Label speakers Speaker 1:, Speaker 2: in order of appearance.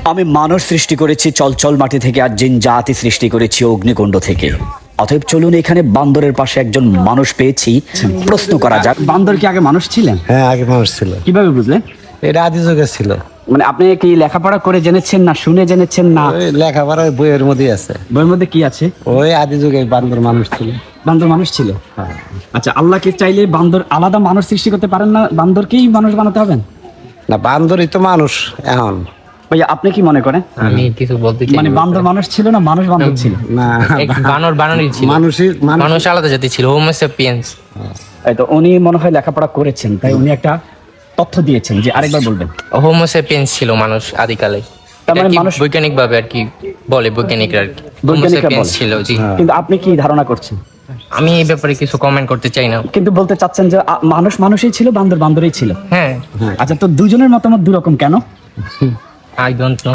Speaker 1: আমি মানুষ সৃষ্টি করেছি চলচল মাটি থেকে, আর জিন জাতি সৃষ্টি করেছি অগ্নিকুণ্ড থেকে। অতএব চলুন এখানে বান্দরের পাশে একজন মানুষ পেয়েছি, প্রশ্ন করা যাক।
Speaker 2: বান্দর কি আগে মানুষ ছিলেন?
Speaker 3: হ্যাঁ, আগে মানুষ ছিল।
Speaker 2: কিভাবে বুঝলেন?
Speaker 3: এটা আদি যুগে ছিল।
Speaker 2: মানে আপনি কি লেখাপড়া করে জেনেছেন না শুনে জেনেছেন না?
Speaker 3: ওই লেখাপড়া ওই বইয়ের মধ্যেই আছে।
Speaker 2: বইয়ের মধ্যে কি আছে?
Speaker 3: ওই আদি যুগে বান্দর মানুষ ছিল।
Speaker 2: বান্দর মানুষ ছিল। আচ্ছা, আল্লাহকে চাইলে বান্দর আলাদা মানুষ সৃষ্টি করতে পারেন না? বান্দরকেই মানুষ বানাতে হবেন?
Speaker 3: না, বান্দরই তো মানুষ এখন।
Speaker 2: ভাইয়া আপনি কি মনে করেন?
Speaker 4: আমি কিছু বলতে চাই
Speaker 2: মানে বান্দর মানুষ ছিল না মানুষ বান্দর ছিল?
Speaker 3: না,
Speaker 4: বানর বানরই ছিল,
Speaker 3: মানুষই
Speaker 4: মানুষ আলাদা জাতি ছিল, হোমো স্যাপিয়েন্স।
Speaker 2: এই তো উনি মনে হয় লেখাপড়া করেছেন, তাই উনি একটা তথ্য দিয়েছেন, যে আরেকবার বলবেন।
Speaker 4: হোমো স্যাপিয়েন্স ছিল মানুষ আদিকালে।
Speaker 2: তার মানে
Speaker 4: এটা কি
Speaker 2: মানুষ
Speaker 4: বৈজ্ঞানিক ভাবে আর কি বলে, বৈজ্ঞানিকরা আর কি হোমো
Speaker 2: বৈজ্ঞানিকরা
Speaker 4: স্যাপিয়েন্স
Speaker 2: বলে।
Speaker 4: ছিল। জি,
Speaker 2: কিন্তু আপনি কি ধারণা করছেন?
Speaker 4: আমি এই ব্যাপারে কিছু কমেন্ট করতে চাই না।
Speaker 2: কিন্তু বলতে চাচ্ছেন যে মানুষ মানুষই ছিল, বান্দর বান্দরই ছিল।
Speaker 4: হ্যাঁ,
Speaker 2: আচ্ছা, তো দুজনের মতামত দুরকম কেন?
Speaker 4: I don't no.